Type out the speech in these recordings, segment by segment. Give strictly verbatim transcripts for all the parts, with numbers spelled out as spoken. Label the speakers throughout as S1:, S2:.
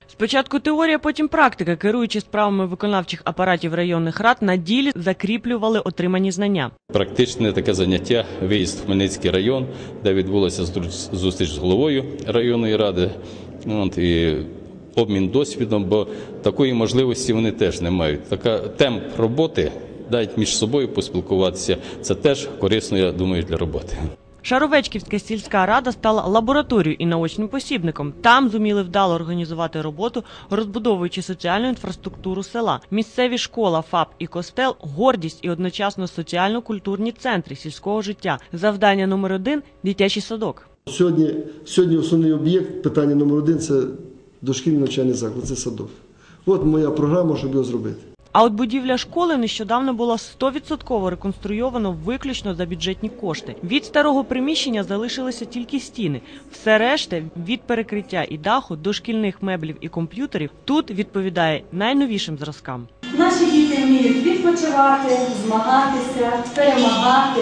S1: Спочатку теорія, потім практика. Керуючи справами виконавчих апаратів районних рад, на ділі закріплювали отримані знання.
S2: Практичне таке заняття – виїзд в Хмельницький район, де відбулася зустріч з головою районної ради. От, і обмін досвідом, бо такої можливості вони теж не мають. Така темп роботи, дають між собою поспілкуватися, це теж корисно, я думаю, для роботи.
S1: Шаровечківська сільська рада стала лабораторією і наочним посібником. Там зуміли вдало організувати роботу, розбудовуючи соціальну інфраструктуру села. Місцеві школа, ФАП і костел – гордість і одночасно соціально-культурні центри сільського життя. Завдання номер один – дитячий садок.
S3: Сьогодні, сьогодні основний об'єкт, питання номер один – це дошкільний навчальний заклад, це садок. От моя програма, щоб його зробити.
S1: А от будівля школи нещодавно була сто відсотків реконструйовано виключно за бюджетні кошти. Від старого приміщення залишилися тільки стіни. Все решта, від перекриття і даху до шкільних меблів і комп'ютерів, тут відповідає найновішим зразкам.
S4: Наші діти вміють відпочивати, змагатися, перемагати,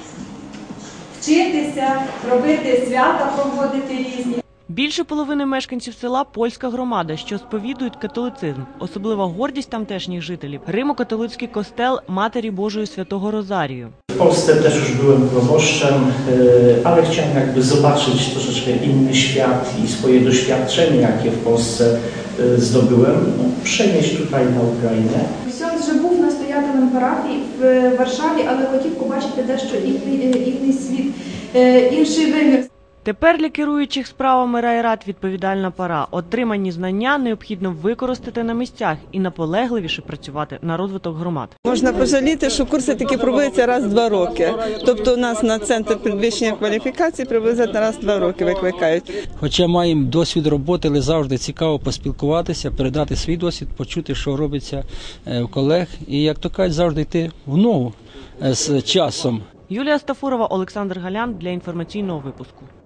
S4: вчитися, робити свята, проводити різні.
S1: Більше половини мешканців села – польська громада, що сповідують католицизм. Особлива гордість тамтешніх жителів – Римо-католицький костел Матері Божої Святого Розарію.
S5: W Polsce też już byłem proboszczem, ale chciałem jakby zobaczyć troszeczkę inny świat i swoje doświadczenie, jakie w Polsce zdobyłem, no, przenieść tutaj na Ukrainę.
S6: Ksiądz вже був настоятелем парафії в Варшаві, але хотів побачити дещо інший світ, інший вимір.
S1: Тепер для керуючих справами райрад відповідальна пора. Отримані знання необхідно використати на місцях і наполегливіше працювати на розвиток громад.
S7: Можна пожаліти, що курси такі проводяться раз в два роки. Тобто у нас на центр підвищення кваліфікації приблизно раз в два роки викликають.
S8: Хоча маємо досвід роботи, але завжди цікаво поспілкуватися, передати свій досвід, почути, що робиться у колег. І, як то кажуть, завжди йти в ногу з часом.
S1: Юлія Стафурова, Олександр Галян для інформаційного випуску.